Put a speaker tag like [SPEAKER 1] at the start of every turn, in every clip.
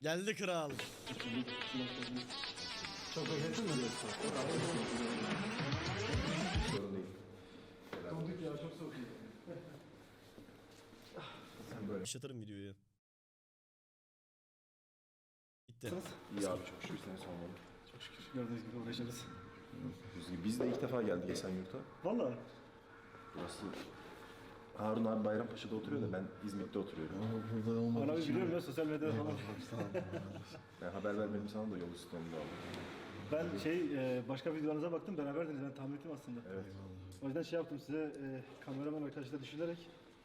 [SPEAKER 1] Geldi kral.
[SPEAKER 2] Çok bekletin mi?
[SPEAKER 3] Sorun değil.
[SPEAKER 2] Donduk ya, çok soğuk.
[SPEAKER 3] Sen böyle.
[SPEAKER 1] Başlatırım videoyu. Bitti.
[SPEAKER 3] İyi abi, çok şükür seni sormalı.
[SPEAKER 2] Çok şükür gördüğünüz gibi uğraşırız.
[SPEAKER 3] Biz de ilk defa geldik Esenyurt'a.
[SPEAKER 2] Valla.
[SPEAKER 3] Burası Harun abi Bayrampaşa'da oturuyor da ben İzmit'te oturuyorum.
[SPEAKER 2] Burada olmak
[SPEAKER 4] Bana bir
[SPEAKER 2] için...
[SPEAKER 4] biliyorum ya sosyal medyada falan.
[SPEAKER 3] Ben haber vermedim sana da yol üstü onu da aldım.
[SPEAKER 4] Ben başka videolarınıza baktım, beraberdiniz, ben tahmin ettim aslında.
[SPEAKER 3] Evet.
[SPEAKER 4] O yüzden şey yaptım size, kameraman arkadaşla düşünerek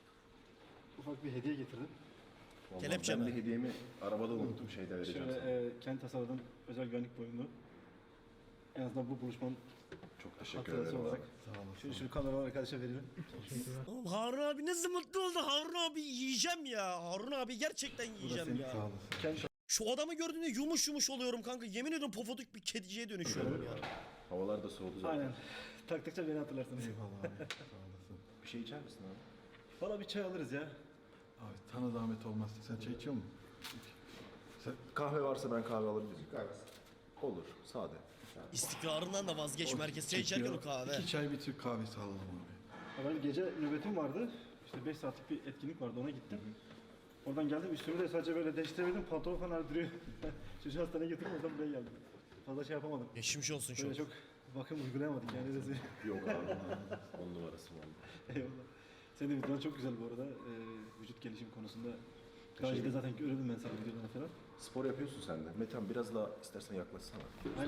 [SPEAKER 4] ufak bir hediye getirdim.
[SPEAKER 3] Vallahi
[SPEAKER 1] Kelepçe
[SPEAKER 3] ben
[SPEAKER 1] mi?
[SPEAKER 3] de hediyemi arabada unuttum, şeyde vereceğim sana.
[SPEAKER 4] Şöyle kendi tasarladığım özel güvenlik boyunlu. En azından bu buluşmanın
[SPEAKER 3] Çok teşekkür
[SPEAKER 4] hatırası
[SPEAKER 3] ederim.
[SPEAKER 4] olarak.
[SPEAKER 2] Sağ olasın.
[SPEAKER 4] Şunu kameraman arkadaşa veririm.
[SPEAKER 1] Oğlum Harun abi nasıl mutlu oldu. Harun abi yiyeceğim ya. Harun abi gerçekten
[SPEAKER 4] Bu da
[SPEAKER 1] yiyeceğim
[SPEAKER 4] senin,
[SPEAKER 1] ya.
[SPEAKER 2] Sağ olasın.
[SPEAKER 4] kendi
[SPEAKER 1] Şu adamı gördüğümde yumuş yumuş oluyorum kanka. Yemin ediyorum pofuduk bir kediciye dönüşüyorum ya.
[SPEAKER 3] Havalar da soğudu zaten.
[SPEAKER 4] Aynen. Taktıkça beni hatırlarsınız.
[SPEAKER 2] Eyvallah abi. Sağ olasın.
[SPEAKER 3] Bir şey içer misin abi?
[SPEAKER 4] Valla bir çay alırız ya.
[SPEAKER 2] Abi sana zahmet olmazsa sen çay içiyor musun?
[SPEAKER 3] Kahve varsa ben kahve alabilirim. Kahvesi. Olur, sade.
[SPEAKER 1] İstikrarından da vazgeçme herkes. Çay içerken o kahve.
[SPEAKER 2] 2 çay bir Türk kahvesi alalım abi.
[SPEAKER 4] Ben gece nöbetim vardı. İşte 5 saatlik bir etkinlik vardı, ona gittim. Oradan geldim, üstümü de sadece böyle değiştiremedim, pantolon falan duruyor. Çocuğu hastaneye götürdüm, oradan buraya geldim. Fazla şey yapamadım.
[SPEAKER 1] Geçmiş olsun şu.
[SPEAKER 4] Böyle çok bakım uygulayamadık yani rezil.
[SPEAKER 3] Yok abi. 10 numarası var.
[SPEAKER 4] Eyvallah. Senin de videoların çok güzel bu arada. Vücut gelişim konusunda. Daha önce de zaten görüyordum ben senin videolarını falan.
[SPEAKER 3] Spor yapıyorsun sen de. Metan biraz daha istersen yaklaşsana.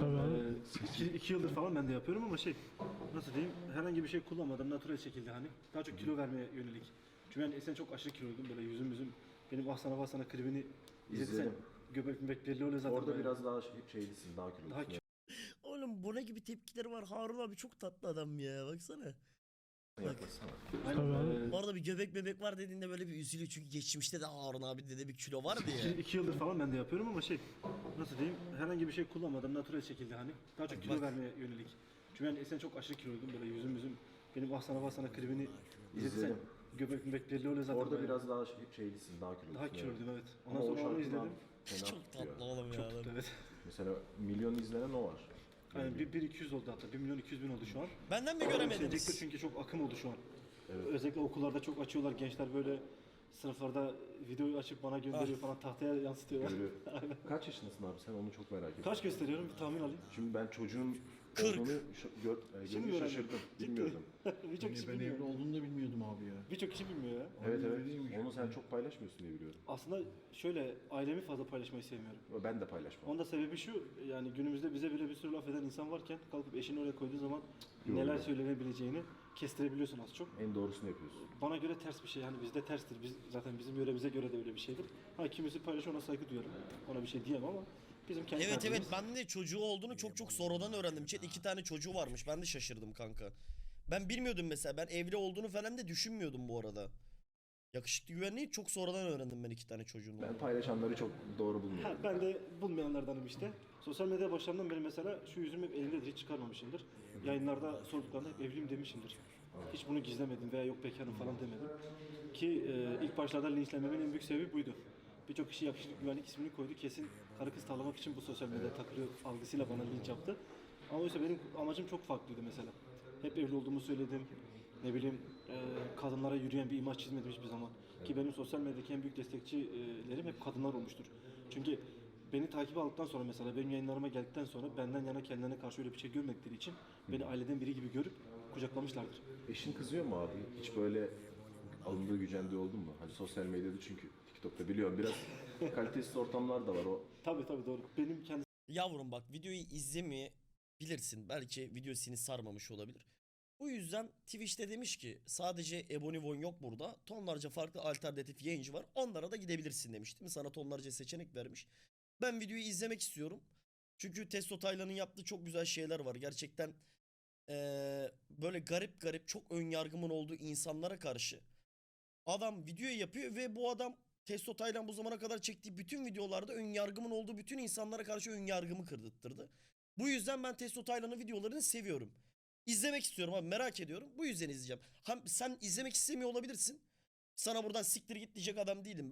[SPEAKER 4] Aynen. 2 yıldır falan ben de yapıyorum ama nasıl diyeyim, herhangi bir şey kullanmadan natürel şekilde hani daha çok kilo vermeye yönelik. Çünkü ben eskiden çok aşırı kiloydum, böyle yüzüm benim Ahsana klibini izlediysen
[SPEAKER 3] İzledim.
[SPEAKER 4] göbek belli oluyor zaten.
[SPEAKER 3] Orada
[SPEAKER 4] böyle.
[SPEAKER 3] biraz daha şeylisin, daha kilolusun.
[SPEAKER 4] Daha kilo
[SPEAKER 1] Oğlum bu ne gibi tepkileri var. Harun abi çok tatlı adam ya. Baksana.
[SPEAKER 3] Yaklaşsana.
[SPEAKER 4] Aynen.
[SPEAKER 1] Orada bir göbek bebek var dediğinde böyle bir üzülüyor. Çünkü geçmişte de Harun abi de bir kilo vardı ya.
[SPEAKER 4] 2 yıldır falan ben de yapıyorum ama nasıl diyeyim, herhangi bir şey kullanmadan natürel şekilde hani daha çok kilo
[SPEAKER 1] Bak.
[SPEAKER 4] vermeye yönelik. Çünkü ben eskiden çok aşırı kiloydum, böyle yüzüm benim Ahsana klibini izlediysen
[SPEAKER 3] İzledim.
[SPEAKER 4] göbek belli oluyor zaten.
[SPEAKER 3] Orada
[SPEAKER 4] böyle.
[SPEAKER 3] biraz daha şeylisin, daha kilolusun.
[SPEAKER 4] Daha kiloluydum, evet.
[SPEAKER 3] Ama
[SPEAKER 4] Ondan
[SPEAKER 3] o
[SPEAKER 4] sonra onu
[SPEAKER 3] şarkıdan
[SPEAKER 4] izledim.
[SPEAKER 3] fena
[SPEAKER 1] Çok
[SPEAKER 3] tutuyor.
[SPEAKER 1] tatlı oğlum ya. adam.
[SPEAKER 4] Evet.
[SPEAKER 3] Mesela milyon izlenen o var.
[SPEAKER 4] Yani 1.200 oldu hatta. 1.200.000 oldu şu an.
[SPEAKER 1] Benden mi
[SPEAKER 4] Yükselecektir
[SPEAKER 1] göremediniz?
[SPEAKER 4] çünkü çok akım oldu şu an. Özellikle okullarda çok açıyorlar. Gençler böyle sınıflarda videoyu açıp bana gönderiyor falan, tahtaya yansıtıyorlar.
[SPEAKER 3] Görüyor. Kaç yaşındasın abi sen, onu çok merak ediyorum.
[SPEAKER 4] Kaç gösteriyorum, bir tahmin alayım.
[SPEAKER 3] Şimdi ben çocuğun
[SPEAKER 1] 40.
[SPEAKER 3] olduğunu
[SPEAKER 4] Şimdi
[SPEAKER 3] görünce
[SPEAKER 4] mi
[SPEAKER 3] şaşırdım.
[SPEAKER 4] Ciddi.
[SPEAKER 3] Bilmiyordum.
[SPEAKER 4] Birçok kişi
[SPEAKER 2] Ben evli
[SPEAKER 4] bilmiyor.
[SPEAKER 2] olduğunu da bilmiyordum abi ya.
[SPEAKER 4] Birçok kişi bilmiyor ya.
[SPEAKER 3] Evet
[SPEAKER 2] öyle
[SPEAKER 3] evet.
[SPEAKER 2] değilmiş.
[SPEAKER 3] Onu sen çok paylaşmıyorsun diye biliyorum.
[SPEAKER 4] Aslında şöyle, ailemi fazla paylaşmayı sevmiyorum.
[SPEAKER 3] Ben de paylaşmam.
[SPEAKER 4] Onun da sebebi şu, yani günümüzde bize bile bir sürü laf eden insan varken kalkıp eşini oraya koyduğu zaman neler
[SPEAKER 3] Yoruluyor.
[SPEAKER 4] söylenebileceğini kestirebiliyorsun az çok.
[SPEAKER 3] En doğrusunu yapıyorsun.
[SPEAKER 4] Bana göre ters bir şey, yani bizde terstir. Zaten bizim yöremize göre de öyle bir şeydir. Kimisi paylaşıyor, ona saygı duyarım. Ona bir şey diyemem ama bizim kendi
[SPEAKER 1] Evet
[SPEAKER 4] tarzımız.
[SPEAKER 1] ben de çocuğu olduğunu çok sonradan öğrendim. Chat 2 tane çocuğu varmış. Ben de şaşırdım kanka. Ben bilmiyordum mesela. Ben evli olduğunu falan da düşünmüyordum bu arada. Yakışıklı güvenliği çok sonradan öğrendim ben 2 tane çocuğun
[SPEAKER 3] Ben
[SPEAKER 1] olduğunu.
[SPEAKER 3] paylaşanları çok doğru bulmuyorum.
[SPEAKER 4] Ben de bulmayanlardanım işte. Sosyal medya başlarından beri mesela şu yüzüm hep elimdedir, hiç çıkarmamışımdır. Yayınlarda sorduklarında hep evliyim demişimdir. Hiç bunu gizlemedim veya yok bekarım falan demedim. Ki ilk başlarda linçlenmemin en büyük sebebi buydu. Birçok kişi yakışıklı güvenlik ismini koydu. Kesin karı kız tavlamak için bu sosyal medya takılıyor algısıyla bana linç yaptı. Ama oysa benim amacım çok farklıydı mesela. Hep evli olduğumu söyledim. Ne bileyim, kadınlara yürüyen bir imaj çizmedim hiçbir zaman. Ki benim sosyal medyadaki en büyük destekçilerim hep kadınlar olmuştur. Çünkü beni takip aldıktan sonra, mesela benim yayınlarıma geldikten sonra benden yana kendilerine karşı öyle bir şey görmedikleri için beni aileden biri gibi görüp kucaklamışlardır.
[SPEAKER 3] Eşin kızıyor mu abi? Hiç böyle alındığı gücendiği oldu mu? Hani sosyal medyada, çünkü TikTok'ta biliyorum biraz kalitesiz ortamlar da var o.
[SPEAKER 4] Tabii doğru. Benim kendi
[SPEAKER 1] Yavrum bak videoyu izlemeyebilirsin. Belki video seni sarmamış olabilir. Bu yüzden Twitch'te demiş ki sadece Ebony Von yok burada. Tonlarca farklı alternatif yayıncı var. Onlara da gidebilirsin demiş, değil mi? Sana tonlarca seçenek vermiş. Ben videoyu izlemek istiyorum. Çünkü Testo Taylan'ın yaptığı çok güzel şeyler var. Gerçekten böyle garip çok ön yargımın olduğu insanlara karşı adam video yapıyor ve bu adam Testo Taylan bu zamana kadar çektiği bütün videolarda ön yargımın olduğu bütün insanlara karşı ön yargımı kırdırttırdı. Bu yüzden ben Testo Taylan'ın videolarını seviyorum. İzlemek istiyorum abi, merak ediyorum. Bu yüzden izleyeceğim. Sen izlemek istemiyor olabilirsin. Sana buradan siktir git diyecek adam değilim ben.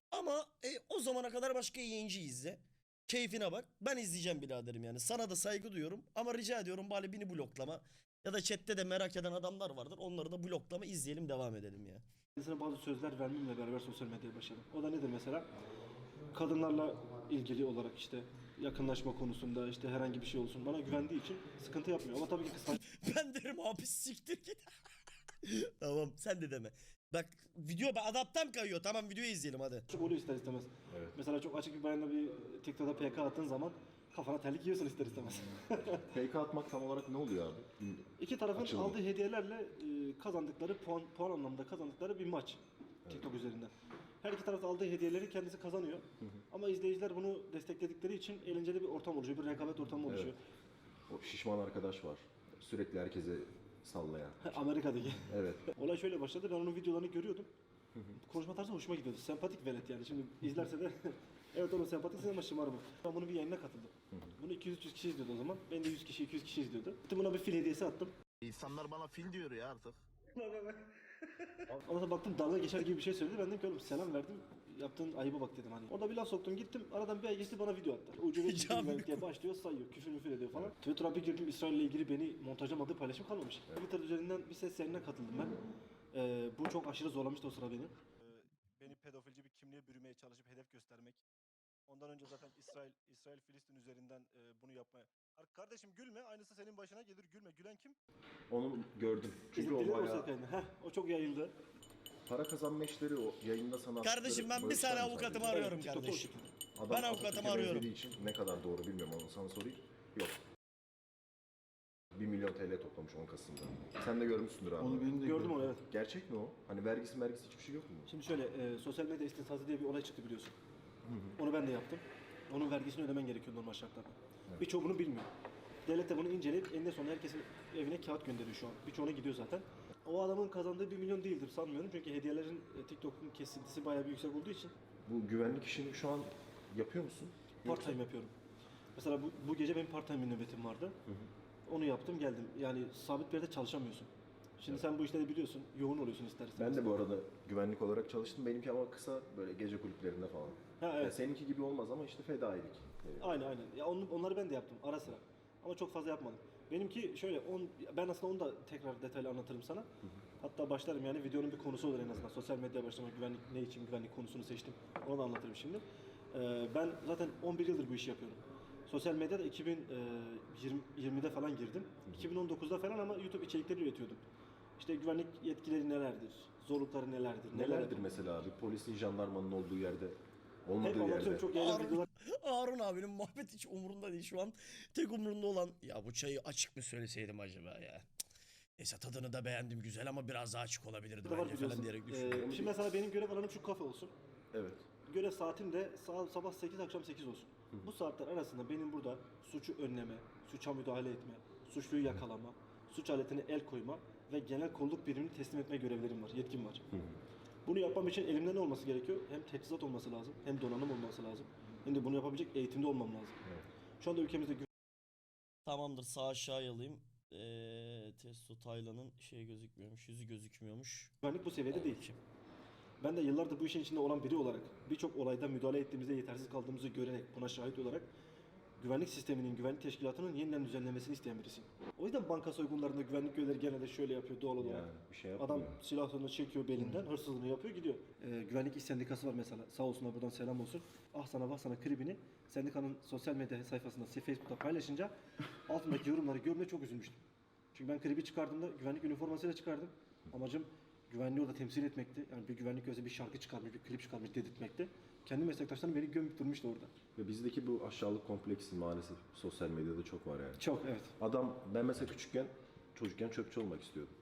[SPEAKER 1] Ama o zamana kadar başka yayıncı izle. Keyfine bak. Ben izleyeceğim biraderim yani. Sana da saygı duyuyorum. Ama rica ediyorum bari beni bloklama. Ya da chatte de merak eden adamlar vardır. Onları da bloklama, izleyelim, devam edelim ya.
[SPEAKER 4] Kendisine bazı sözler vermemle beraber sosyal medyaya başladım. O da nedir mesela? Kadınlarla ilgili olarak işte yakınlaşma konusunda işte herhangi bir şey olsun bana güvendiği için sıkıntı yapmıyor. Ama tabii ki kıskanç
[SPEAKER 1] Ben derim abi siktir git. Tamam, sen de deme. Bak video adaptam kayıyor. Tamam, videoyu izleyelim hadi.
[SPEAKER 4] oluyor ister istemez.
[SPEAKER 3] Evet.
[SPEAKER 4] Mesela çok açık bir bayanla bir TikTok'ta PK attığın zaman kafana terlik yiyorsun ister istemez.
[SPEAKER 3] Fake atmak tam olarak ne oluyor abi?
[SPEAKER 4] İki tarafın
[SPEAKER 3] Açılımı.
[SPEAKER 4] aldığı hediyelerle kazandıkları puan anlamında kazandıkları bir maç TikTok üzerinden. Her iki taraf da aldığı hediyeleri kendisi kazanıyor. Ama izleyiciler bunu destekledikleri için eğlenceli bir ortam oluşuyor, bir rekabet ortamı oluşuyor.
[SPEAKER 3] O şişman arkadaş var. Sürekli herkese sallayan.
[SPEAKER 4] Amerika'daki.
[SPEAKER 3] Evet.
[SPEAKER 4] Olay şöyle başladı, ben onun videolarını görüyordum. Konuşma tarzı hoşuma gidiyordu. Sempatik velet yani. Şimdi izlerse de evet oğlum sempatiksin ama şımarma. Ben bunun bir yayınına katıldım. Bunu 200-300 kişi izliyordu o zaman. Ben de 100 kişi, 200 kişi izliyordu. Gittim buna bir fil hediyesi attım.
[SPEAKER 5] İnsanlar bana fil diyor ya artık.
[SPEAKER 4] Ondan sonra baktım dalga geçer gibi bir şey söyledi. Ben dedim ki oğlum selam verdim. Yaptığın ayıba bak dedim hani. Orada bir laf soktum gittim. Aradan bir ay geçti bana video attı. Ucube
[SPEAKER 1] Can
[SPEAKER 4] diye başlıyor sayıyor. Küfür müfür ediyor falan. Twitter'a bir girdim İsrail'le ilgili beni montajlamadığı paylaşım kalmamış. Twitter üzerinden bir ses yayınına katıldım ben. Bu çok aşırı zorlamıştı o sıra beni.
[SPEAKER 6] Beni pedofilci bir kimliğe bürümeye çalışıp hedef göstermek. Ondan önce zaten İsrail-Filistin üzerinden bunu yapmaya. Kardeşim gülme, aynısı senin başına gelir. Gülme. Gülen kim?
[SPEAKER 3] Onu gördüm. Çünkü o
[SPEAKER 4] İzlediler o
[SPEAKER 3] bayağı
[SPEAKER 4] ses kaydını. O çok yayıldı.
[SPEAKER 3] para kazanma işleri o yayında sana
[SPEAKER 1] Kardeşim ben bir saniye avukatımı arıyorum
[SPEAKER 4] TikTok'ta o
[SPEAKER 1] kardeşim.
[SPEAKER 4] şekilde.
[SPEAKER 3] Adam
[SPEAKER 1] Ben avukatımı
[SPEAKER 3] Atatürk'e
[SPEAKER 1] arıyorum.
[SPEAKER 3] benzediği için ne kadar doğru bilmiyorum onu sana sorayım. Yok. 1 milyon TL toplamış 10 Kasım'da. Sen de görmüşsündür abi.
[SPEAKER 2] Onu benim de
[SPEAKER 4] Gördüm onu evet.
[SPEAKER 3] Gerçek mi o? Hani vergisi hiçbir şey yok mu?
[SPEAKER 4] Şimdi şöyle sosyal medya istinazı diye bir olay çıktı biliyorsun. Onu ben de yaptım. Onun vergisini ödemen gerekiyor normal şartlarda. Birçoğu bunu bilmiyor. Devlet de bunu inceleyip eninde sonunda herkesin evine kağıt gönderiyor şu an. Birçoğuna gidiyor zaten. O adamın kazandığı 1 milyon değildir sanmıyorum. Çünkü hediyelerin TikTok'un kesintisi bayağı bir yüksek olduğu için
[SPEAKER 3] Bu güvenlik işini şu an yapıyor musun?
[SPEAKER 4] part time yapıyorum. Mesela bu gece benim part time bir nöbetim vardı. Onu yaptım geldim. Yani sabit bir yerde çalışamıyorsun. Şimdi sen bu işleri biliyorsun. Yoğun oluyorsun istersen.
[SPEAKER 3] Ben de bu arada güvenlik olarak çalıştım. Benimki ama kısa böyle gece kulüplerinde falan.
[SPEAKER 4] Ha,
[SPEAKER 3] Yani
[SPEAKER 4] evet.
[SPEAKER 3] seninki gibi olmaz ama işte fedailik.
[SPEAKER 4] Aynen. Ya onları ben de yaptım ara sıra. Ama çok fazla yapmadım. Benimki şöyle ben aslında onu da tekrar detaylı anlatırım sana. Hatta başlarım yani videonun bir konusu olur en azından. Sosyal medya başlamak, güvenlik ne için güvenlik konusunu seçtim. Onu da anlatırım şimdi. Ben zaten 11 yıldır bu işi yapıyorum. Sosyal medyada 2020'de falan girdim. 2019'da falan ama YouTube içerikleri üretiyordum. İşte güvenlik yetkileri nelerdir? Zorlukları nelerdir?
[SPEAKER 3] Nelerdir mesela abi? Polisin, jandarmanın olduğu yerde, olmadığı
[SPEAKER 4] Hep
[SPEAKER 3] yerde.
[SPEAKER 4] anlatıyorum çok yayın videolar.
[SPEAKER 1] Harun abinin muhabbet hiç umurunda değil şu an. Tek umurunda olan ya bu çayı açık mı söyleseydim acaba ya. Cık. Neyse tadını da beğendim güzel ama biraz daha açık olabilirdi
[SPEAKER 4] var
[SPEAKER 1] bence
[SPEAKER 4] biliyorsun.
[SPEAKER 1] falan diyerek düşünüyorum.
[SPEAKER 4] Şimdi mesela benim görev alanım şu kafe olsun.
[SPEAKER 3] Evet.
[SPEAKER 4] Görev saatim de sabah 8 akşam 8 olsun. Bu saatler arasında benim burada suçu önleme, suça müdahale etme, suçluyu yakalama, suç aletine el koyma ve genel kolluk birimini teslim etme görevlerim var, yetkim var. Bunu yapmam için elimde ne olması gerekiyor? Hem teçhizat olması lazım, hem donanım olması lazım, hem de bunu yapabilecek eğitimde olmam lazım. Şu anda ülkemizde
[SPEAKER 1] Tamamdır, sağ aşağıya alayım. Testo Taylan'ın şey gözükmüyormuş, yüzü gözükmüyormuş.
[SPEAKER 4] güvenlik bu seviyede değil.
[SPEAKER 1] Kim?
[SPEAKER 4] Ben de yıllardır bu işin içinde olan biri olarak birçok olayda müdahale ettiğimizde yetersiz kaldığımızı görerek buna şahit olarak güvenlik sisteminin, güvenlik teşkilatının yeniden düzenlemesini isteyen birisiyim. O yüzden banka soygunlarında güvenlik görevlileri genelde şöyle yapıyor doğal olarak.
[SPEAKER 3] Yani bir şey yapmıyor.
[SPEAKER 4] Adam silahını çekiyor belinden, hırsızlığını yapıyor gidiyor. Güvenlik İş Sendikası var mesela, sağ olsunlar buradan selam olsun. Ah sana vah sana klibini sendikanın sosyal medya sayfasında, Facebook'ta paylaşınca altındaki yorumları görmeye çok üzülmüştüm. Çünkü ben klibi çıkardığımda güvenlik üniformasıyla çıkardım. Amacım güvenliği orada temsil etmekti. Yani bir güvenlik gözü bir şarkı çıkarmış, bir klip çıkarmış dedirtmekti. Kendi meslektaşlarım beni gömüp durmuştu orada.
[SPEAKER 3] Ve bizdeki bu aşağılık kompleksi maalesef sosyal medyada çok var yani.
[SPEAKER 4] Çok evet.
[SPEAKER 3] Ben mesela çocukken çöpçü olmak istiyordum.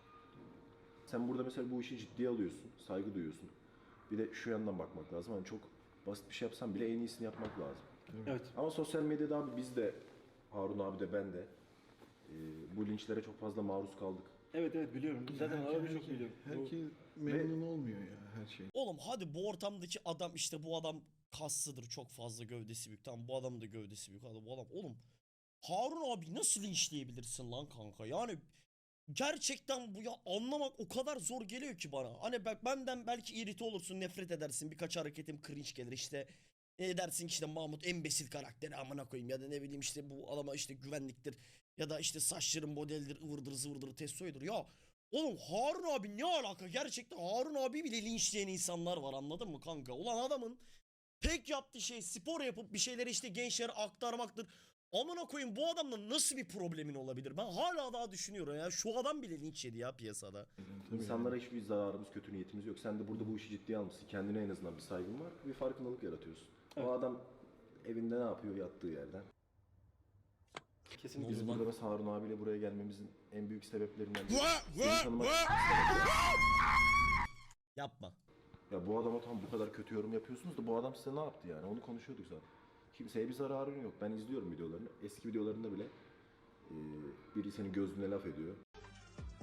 [SPEAKER 3] Sen burada mesela bu işi ciddiye alıyorsun, saygı duyuyorsun. Bir de şu yandan bakmak lazım. Hani çok basit bir şey yapsan bile en iyisini yapmak lazım.
[SPEAKER 4] Evet.
[SPEAKER 3] Ama sosyal medyada abi biz de, Harun abi de ben de bu linçlere çok fazla maruz kaldık.
[SPEAKER 4] Evet biliyorum. Zaten abi çok biliyorum.
[SPEAKER 2] Herkes memnun olmuyor ya her şey.
[SPEAKER 1] Oğlum hadi bu ortamdaki adam işte bu adam kaslıdır, çok fazla gövdesi büyük. Tamam bu adam da gövdesi büyük. Hadi bu adam oğlum Harun abi nasıl linçleyebilirsin lan kanka? Yani gerçekten bu ya, anlamak o kadar zor geliyor ki bana. Hani bak, benden belki irite olursun, nefret edersin, birkaç hareketim cringe gelir işte. Dersin ki işte Mahmut en basit karakteri amına koyayım, ya da ne bileyim işte bu adama işte güvenliktir ya da işte saçların modeldir, ıvırdır zıvırdır testoydur ya. Oğlum Harun abi ne alaka, gerçekten Harun abi bile linçleyen insanlar var, anladın mı kanka? Ulan adamın tek yaptığı şey spor yapıp bir şeyleri işte gençlere aktarmaktır. Amına koyayım, bu adamla nasıl bir problemin olabilir? Ben hala daha düşünüyorum ya. Şu adam bile linç yedi ya piyasada.
[SPEAKER 3] İnsanlara hiçbir zararımız, kötü niyetimiz yok. Sen de burada bu işi ciddiye almışsın. Kendine en azından bir saygın var. Bir farkındalık yaratıyorsun.
[SPEAKER 4] Evet.
[SPEAKER 3] O adam evinde ne yapıyor yattığı yerden?
[SPEAKER 4] Kesinlikle.
[SPEAKER 3] Bizim
[SPEAKER 1] Ulan.
[SPEAKER 3] burada mesela Harun abiyle buraya gelmemizin en büyük sebeplerinden biri.
[SPEAKER 1] Vah,
[SPEAKER 3] Seni
[SPEAKER 1] vah,
[SPEAKER 3] tanımak
[SPEAKER 1] vah.
[SPEAKER 3] istemek.
[SPEAKER 1] Yapma.
[SPEAKER 3] Ya bu adama tam bu kadar kötü yorum yapıyorsunuz da bu adam size ne yaptı yani? Onu konuşuyorduk zaten. Kimseye bir zararın yok. Ben izliyorum videolarını. Eski videolarında bile biri senin gözüne laf ediyor.